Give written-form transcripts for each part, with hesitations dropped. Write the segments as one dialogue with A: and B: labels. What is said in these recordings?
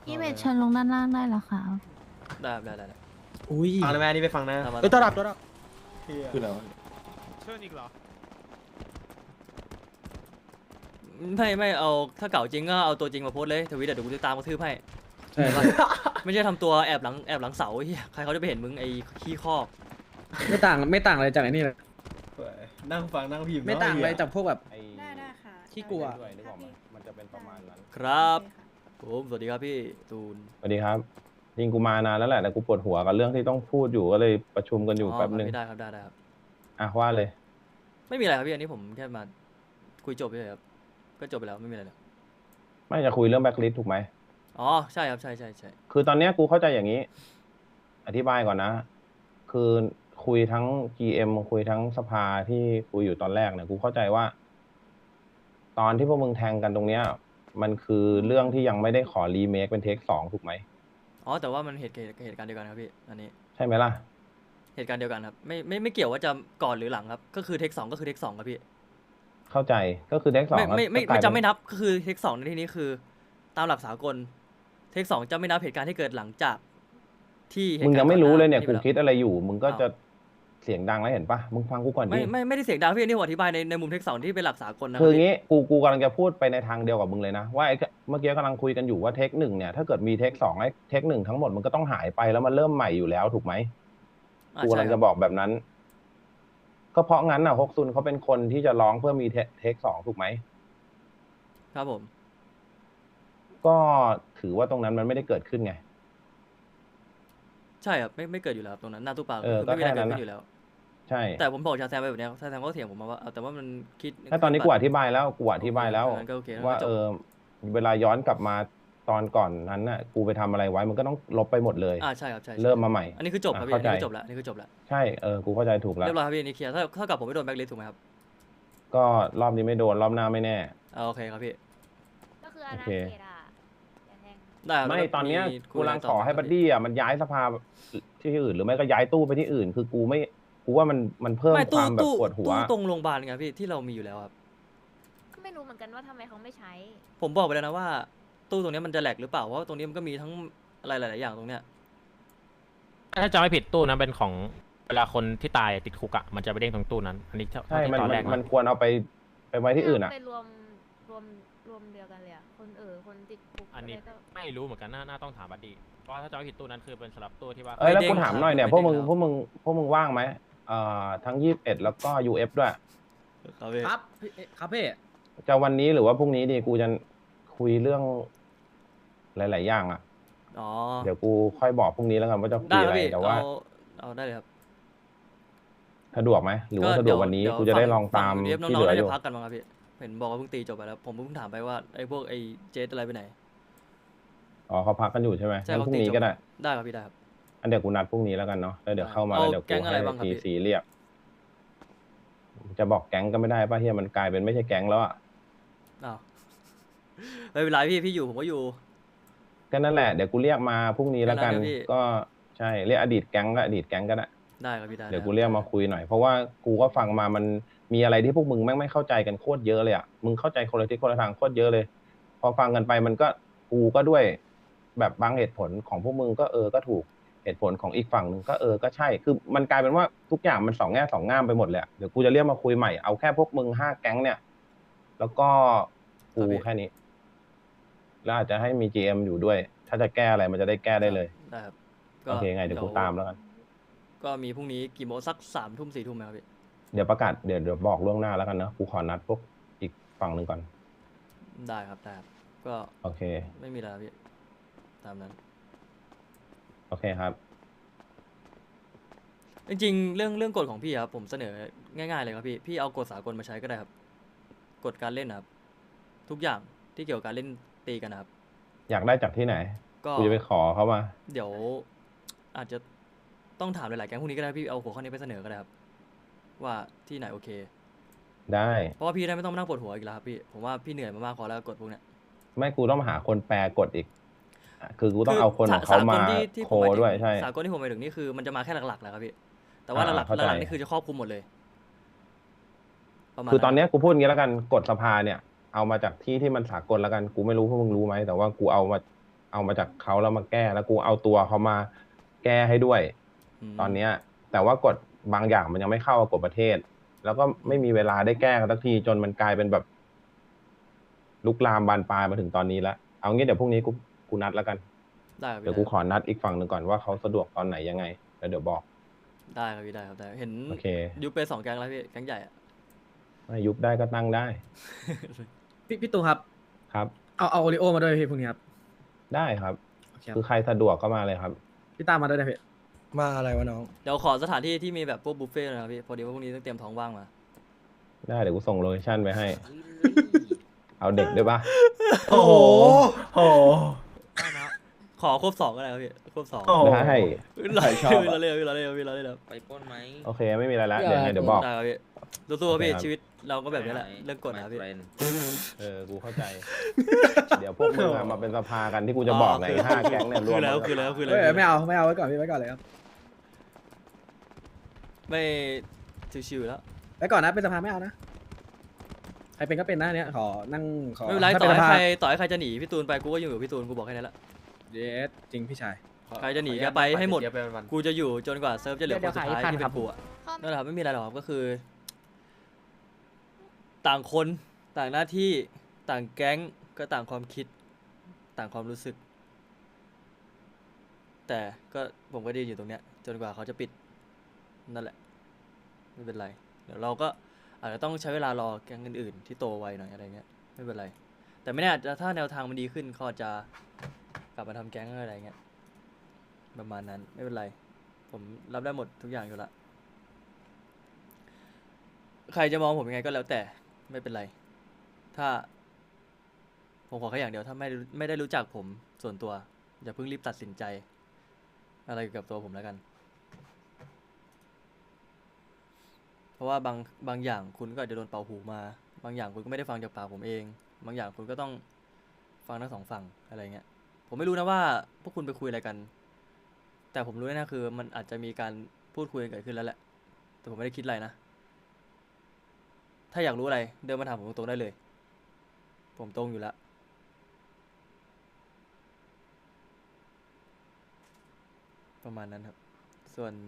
A: พี่เวทเชิญลงด้านล่างได้เหรอคะ
B: ได้ครับได้
C: อุ้ย
D: ฟังเลยแม่นี่ไปฟังนะ
B: ตามมา
C: เอ้ยตัวดับตัวดับ
E: คืออะไรวะ
F: เชิญอีกเหรอ
B: ไม่เอาถ้าเก่าจริงก็เอาตัวจริงมาโพสต์เลยทวิตเดี๋ยวกูจะตามกระทืบให้
E: ใช่
B: ไม่ใช่ทำตัวแอบหลังเสาเฮียใครเขาจะไปเห็นมึงไอ้ขี้คอก
E: ไม่ต่างอะไรจากไอ้นี่เลย
D: นั่งฟังนั่งพิมพ์
E: ไม่ต่างอะไรจากพวกแบบ
G: ได้ค่ะ
E: ขี้กลัว
G: ด้วยนึกออกไหมมันจะเป็นประมาณนั้น
B: ครับผมสวัสดีครับพี่ตูน
G: สวัสดีครับจริงกูมานานแล้วแหละแต่กูปวดหัวกับเรื่องที่ต้องพูดอยู่ก็เลยประชุมกันอยู่แป๊บนึง
B: ได้ครับได้ครับ
G: อ่ะว่าเลย
B: ไม่มีอะไรครับพี่อันนี้ผมแค่มาคุยจบเลยครับก็จบไปแล้วไม่มีอะไรเลย
G: ไม่จะคุยเรื่องแบ็คลิสถูกไหม
B: อ๋อใช่ครับใช่
G: คือตอนเนี้ยกูเข้าใจอย่างนี้ อธิบายก่อนนะ คือคุยทั้ง GM คุยทั้งสภาที่คุยอยู่ตอนแรกเนี่ยกูเข้าใจว่า ตอนที่พวกมึงแทงกันตรงเนี้ย มันคือเรื่องที่ยังไม่ได้ขอรีเมคเป็นเทค2ถูกไหม
B: อ๋อแต่ว่ามันเหตุการณ์เดียวกันครับพี่อันนี้
G: ใช่ไหมล่ะ
B: เหตุการณ์เดียวกันครับไม่เกี่ยวว่าจะก่อนหรือหลังครับก็คือเทคสองก็คือเทคสองครับพี่
G: เข้าใจก็คือเทค2
B: ไม่จะไม่นับก็คือเทคสองในที่นี้คือ ตามหลักสากลเทคสองจะไม่นับเหตุการณ์ที่เกิดหลังจากที่เหตุ
G: มึง
B: การณ์
G: ยังไม่รู้เลยเนี่ย
B: ก่
G: กู
B: อหา
G: คิดอะไรอยู่ มึงก็
B: อ้าว
G: จะเสียงดังแล้วเห็นปะมึงฟังกูก่อนดิ
B: ไม่ได้เสียงดังพี่อันนี่ผมอธิบายในมุมเทคสองที่เป็นหลักสากลนะ
G: คือ
B: รับ
G: งี้กูกำลังจะพูดไปในทางเดียวกับมึงเลยนะว่าไอ้เมื่อกี้กำลังคุยกันอยู่ว่าเทคหนึ่งเนี่ยถ้าเกิดมีเทคสองไอ้เทคหนึ่งทั้งหมดมันก็ต้องหายไปแล้วมันเริ่มใหม่อยู่แล้วถูกไหม กูกำลังจะบอกแบบนั้น ก็เพราะงั้นน่ะฮกซุนเขาเป็นคนที่จะร้องเพื่อมีเทคสองถูกไหม
B: ครับผม
G: ก็ถือว่าตรงนั้นมันไม่ได้เกิดขึ้นไง
B: ใช่ครับไม่เกิดอยู่แล้วครับตรงนั้นหน้าตู้ปลา
G: เออ
B: คือไม่มีอะไร
G: ก็แค่
B: เกิ
G: นั้
B: ด
G: น
B: ขึ้นอยู่แล้ว
G: ใช่
B: แต่ผมบอกชาแซมไปแบบเนี้ยชาแซมก็เถียงผมมาว่าแต่ว่ามันคิด
G: ถ้าตอนนี้กูอธิบายแล้ว
B: งั้นก็โอเค
G: ว่า
B: งั้นก็จบ
G: เวลาย้อนกลับมาตอนก่อนนั้นน่ะ กูไปทำอะไรไว้มันก็ต้องลบไปหมดเลย
B: ใช่ครับใช่
G: เริ่มมาใหม่
B: อันนี้คือจบครับพี่
G: เข้า
B: อัน
G: ใจ
B: นี้คือจบแล้วอันนี้คือจบแล้ว
G: ใช่กูเข้าใจถูกแล้ว
B: เรียบร้อยครับพี่อันนี้เคลียร์ถ้ากับผมไม่โดนแบล็คลิสต์ถูกไหมครับ
G: ก็รอบนี้ไม่โดนรอบหน้าไม่แน่
B: โอเคครับพี่
A: ก็คืออาณา
G: โอเค
A: เขตอ่ะอย่าแทง
B: ได้ครับ
G: ไม่
B: แล้ว
G: ตอนเนี้ย
B: มี
G: กูกำลัง
B: คุย
G: ขอให้
B: ต่
G: บัดดี้อ่ะมันย้ายสภาที่อื่นหรือไม่ก็ย้ายตู้ไปที่อื่น คือกูว่ามันเพิ่ม
B: ไม่
G: ค
B: ตู้
G: วามแบบ
B: ตู้
G: ปวดหัว
B: ตู้ตรงโรงพยาบาลไงพี่ที่เรามีอยู่แล้วครับ
A: ก็ไม่รู้เหมือนกันว่าทำไมเขาไม่ใช้
B: ผมบอกไปแล้วนะว่าตู้ตรงเนี้ยมันจะแหลกหรือเปล่าเพราะว่าตรงนี้มันก็มีทั้งอะไรหลายๆอย่างตรงเนี้ย
F: ถ้าจำไม่ผิดตู้นั้นเป็นของเวลาคนที่ตายติดคุกอะมันจะไปเด้งตรงตู้นั้น อันนี้เท่า
G: ใช่
F: ที่
G: มัน
F: ตอนแรก
G: มันควรเอาไปไว้ที่อื่นอ่ะ
A: ไปรวมเดียวกันเลยอ่ะคนคนติดคุก
F: อันนี้
A: อะไรก็
F: ไม่รู้เหมือนกันน่าต้องถามบัดดี้เพราะว่าถ้าจำไม่ผิดตู้นั้นคือเป็นสำหรับตู้ที่ว่า
G: แล้ว
B: เด้ง
G: กูถามหน่อยเนี่ย
B: ครับ
G: พวกมึง
B: ไม่เด้ง
G: พวกมึงว่างไหมทั้ง21แล้วก็ UF ด้วย
B: ครับพี่
C: ครับพี่ครับพี่
G: จะวันนี้หรือว่าพรุ่งนี้ดีกูจะคุยเรื่องหลาย ๆ อย่างอ่ะ
B: อ๋อ
G: เดี๋ยวกูค่อยบอกพรุ่งนี้แล้วกันว่าจะคุ
B: ได้
G: ย
B: ค
G: อะ
B: รับ
G: ไร
B: พี่
G: แต่ว่า
B: เอาได้เลยครับ
G: สะดวกไหมหรือว่าสะดวกวันนี้กูจะได้ลองตาม
B: เดี๋ยว
G: ที่
B: น้
G: เห
B: อง
G: ลื
B: ๆ
G: อ
B: น่า
G: อ
B: จะ
G: ยู่
B: พักกันมั้งครับพี่เห็นบอกว่าเพิ่งตีจบไปแล้วผมเพิ่งถามไปว่าไอ้พวกไอ้เจสอะไรไปไหน
G: อ๋อเขาพักกันอยู่ใช่ไหม
B: ใช่
G: งั้น
B: เขา
G: พรุ่ง
B: ตี
G: นี้
B: จบ
G: ก็ได้
B: ได้ครับพี่ได้ครับ
G: อันเดี๋ยวกูนัดพรุ่งนี้แล้วกันเนาะแล้วเดี๋ยวเข้ามาแล้ว
B: เอา
G: เดี๋ยว
B: แก๊
G: กู
B: งอะไร
G: ให้
B: บ้างครับ
G: ที
B: พี่
G: ซีเรียก จะบอกแก๊งก็ไม่ได้ป่ะเฮียมันกลายเป็นไม่ใช่แก๊งแล้วอ่ะ
B: อ้าวไม่เป็นไรพี่อยู่ผมก็อยู่
G: ก็นั่นแหละเดี๋ยวกูเรียกมาพรุ่งนี้แล้วกัน
B: ได้นะพี่
G: ก็ใช่เรียกอดีตแก๊งก็อดีตแก๊งก็ได้
B: ได้ครับพี่ได้
G: เดี๋ยวกูเรียกมาคุยหน่อยเพราะว่ากูก็ฟังมามันมีอะไรที่พวกมึงแม่งไม่เข้าใจกันโคตรเยอะเลยอ่ะมึงเข้าใจคนละทิศคนละทางโคตรเยอะเลย พอฟังกันไปมันก็กูก็ด้วยแบบบางเหตุผลของพวกมึงก็ก็ถูกเหตุผลของอีกฝั่งหนึ่งก็ก็ใช่คือมันกลายเป็นว่าทุกอย่างมันสองแง่สองง่ามไปหมดเลยอะเดี๋ยวกูจะเรียกมาคุยใหม่เอาแค่พวกมึง5 แก๊งเนี่ย แล้วก็กูแค่นี้ แล้วอาจจะให้มี GM อยู่ด้วย ถ้าจะแก้อะไรมันจะได้แก้ได้เลย
B: ได้ครับ
G: โอเคไงเดี๋ยวกูตามแล้วกัน
B: ก็มีพรุ่งนี้กี่โมงสัก3 ทุ่ม4 ทุ่มไหมครับพี่
G: เดี๋ยวประกาศเดี๋ยวบอกล่วงหน้าแล้วกันเนอะกูขอนัดพวกอีกฝั่งหนึ่งก่อน
B: ได้ครับได้ครับก็
G: โอเค
B: ไม่มีอะไรครับพี่ตามนั้น
G: โอเคครับ
B: จริงๆเรื่องกฎของพี่ครับผมเสนอง่ายๆเลยครับพี่เอากฎสากลมาใช้ก็ได้ครับกฎการเล่นนะครับทุกอย่างที่เกี่ยวกับการเล่นตีกันนะครับ
G: อยากได้จากที่ไหน
B: ก็
G: กูจะไปขอเขามา
B: เดี๋ยวอาจจะต้องถามหลายๆแก๊งพวกนี้ก็ได้พี่เอาหัวข้อนี้ไปเสนอก็ได้ครับว่าที่ไหนโอเค
G: ได้
B: เพราะว่าพี่ได้ไม่ต้องมานั่งปวดหัวอีกแล้วครับพี่ผมว่าพี่เหนื่อยมามากพอแล้วกฎพวกเนี้ย
G: ไม่กูต้องหาคนแปลกฎอีกอ่ะคือกูต้องเอาคนของเขามา
B: ที่
G: โค
B: ผมหมายถึง
G: ด้วยใช่
B: สากลที่ผมหมายถึงนี่คือมันจะมาแค่หลักๆแหละครับพี่แต่ว่าหลัก
G: เข้าใจ
B: ๆนี่คือจะครอบคลุมหมดเลยประมาณ
G: คือตอนเนี้ยกูพูดอย่างนี้แล้วกันกฎสภาเนี่ย เอามาจากที่ที่มันสากลแล้วกันกูไม่รู้พวกมึงรู้ไหมแต่ว่ากูเอาเอามาจากเขาแล้วมาแก้แล้วกูเอาตัวเขามาแก้ให้ด้วย
B: ม
G: ตอนเนี้ย แต่ว่ากฎบางอย่างมันยังไม่เข้ากับกฎประเทศ แล้วก็ไม่มีเวลาได้แก้กันสักทีจนมันกลายเป็นแบบ ลุกลามบานปลายมาถึงตอนนี้แล้วเอางี้เดี๋ยวพรุ่งนี้กูนัดแล้วกัน
B: ได้ครับ
G: เดี๋ยว
B: พี่
G: กูขอนัดอีกฝั่งหนึ่งก่อนว่าเขาสะดวกตอนไหนยังไงแล้วเดี๋ยวบอก
B: ได้ครับพี่ได้ครับได้เห็น
G: โอเค
B: ยุบไป2 แก๊งแล้วพี่แก๊งใหญ่อะ
G: ไม่ยุบได้ก็ตั้งได้
E: พี่ตูครับ
G: ครับ
E: เอาโอริโอมาด้วยพี่พรุ่งนี้ครับ
G: ได้ครับ
E: โอเคครับ
G: คือใครสะดวกก็มาเลยครับ
E: พี่ตามมาด้วยนะพี่
D: มาอะไรวะน้อง
B: เดี๋ยวขอสถานที่ที่มีแบบพวกบุฟเฟ่ต์หนะครับพี่พอดีว่าพรุ่งนี้ต้องเตรียมท้องว่างมา
G: ได้เดี๋ยวกูส่งโลเคชั่นไปให้ เอาเด็กด้วยปะ
D: โอ้โหโอ้โห
B: ขอครบ2ก็ได้ครับพี่ครบ2
D: โอ้โห
G: ได้
B: เรา
G: ใครชอบอะ
B: เราเล่นพี่เราเล่นพี่เราเล่นครับ
C: ไปปล้นไหม
G: โอเคไม่มีอะไรแล้วเดี๋ยวไงเดี๋ยวบอก
B: ได้ครับพี่สู้ๆครับพี่
G: โอเคครับ
B: ชีวิตเราก็แบบนี้แหละเรื่องกฎนะครับพี่
G: กูเข้าใจ เดี๋ยวพวกมึงอะมาเป็นสภากันที่กูจะบอกไง5 แก๊งเนี่ยรวม
B: คือแล้ว
E: เอ้ยไม่เอาไว้ก่อนพี่ไว้ก่อนเลยครับ
B: ไม่ชิวๆแล้ว
E: ไว้ก่อนนะเป็นสภาไม่เอานะใครเป็นก็เป็นนะเนี่ยขอนั่งขอ
B: ไม่เป็นไร
E: ถ้า
B: ต่อ
E: เป็น
B: ให้
E: สภา
B: ใครจะหนีพี่ตูนไปกูก็อยู่กับพี่ตูนกูบอกแค่นั้นแหละ
E: เยสจริงพี่ชาย
B: ใครจะหนีก็ไปให้หมด
D: เดี๋ยวไปวัน
B: กูจะอยู่จนกว่าเซิร์ฟจะเหลือคนสุดท้ายที่เป็นกูอะ
A: ข้อ
B: นั่นแหละครับไม่มีอะไรหรอกครับก็คือ ต่างคนต่างหน้าที่ต่างแก๊งก็ต่างความคิด ต่างความรู้สึก แต่ก็ผมก็ดีอยู่ตรงเนี้ย จนกว่าเขาจะปิดนั่นแหละ ไม่เป็นไร เดี๋ยวเราก็อาจจะต้องใช้เวลารอแก๊งอื่นๆที่โตไวหน่อยอะไรเงี้ยไม่เป็นไร แต่ไม่แน่อาจจะถ้าแนวทางมันดีขึ้นเขาอาจจะกลับมาทำแก๊งอะไรเงี้ยประมาณนั้นไม่เป็นไร ผมรับได้หมดทุกอย่างอยู่ละใครจะมองผมยังไงก็แล้วแต่ไม่เป็นไร ถ้า ผมขอแค่อย่างเดียวถ้าไม่ได้รู้จักผมส่วนตัวอย่าเพิ่งรีบตัดสินใจ อะไรเกี่ยวกับตัวผมแล้วกัน เพราะว่าบางอย่างคุณก็อาจจะโดนเป่าหูมา บางอย่างคุณก็ไม่ได้ฟังจากปากผมเอง บางอย่างคุณก็ต้องฟังทั้ง2 ฝั่งอะไรเงี้ย ผมไม่รู้นะว่าพวกคุณไปคุยอะไรกัน แต่ผมรู้แน่ๆคือมันอาจจะมีการพูดคุยกันเกิดขึ้นแล้วแหละ แต่ผมไม่ได้คิดอะไรนะ ถ้าอยากรู้อะไรเดินมาถามผมตรงๆได้เลย ผมตรงอยู่แล้ว ประมาณนั้นครับ ส่วน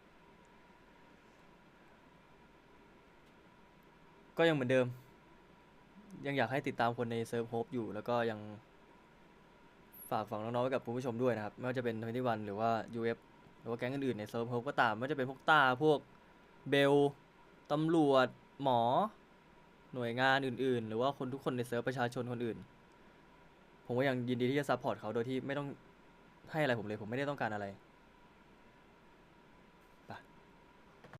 B: ก็ยังเหมือนเดิม ยังอยากให้ติดตามคนในเซิร์ฟโฮปอยู่ แล้วก็ยังฝากฝังน้องๆไว้กับคุณผู้ชมด้วยนะครับ ไม่ว่าจะเป็น21หรือว่า UF หรือว่าแก๊งอื่นๆในเซิร์ฟโฮปก็ตามไม่ว่าจะเป็นพวกต้าพวกเบลตำรวจหมอ หน่วยงานอื่นๆ หรือว่าคนทุกคนในเซิร์ฟประชาชนคนอื่น ผมก็ยังยินดีที่จะซัพพอร์ตเขาโดยที่ไม่ต้องให้อะไรผมเลย ผมไม่ได้ต้องการอะไร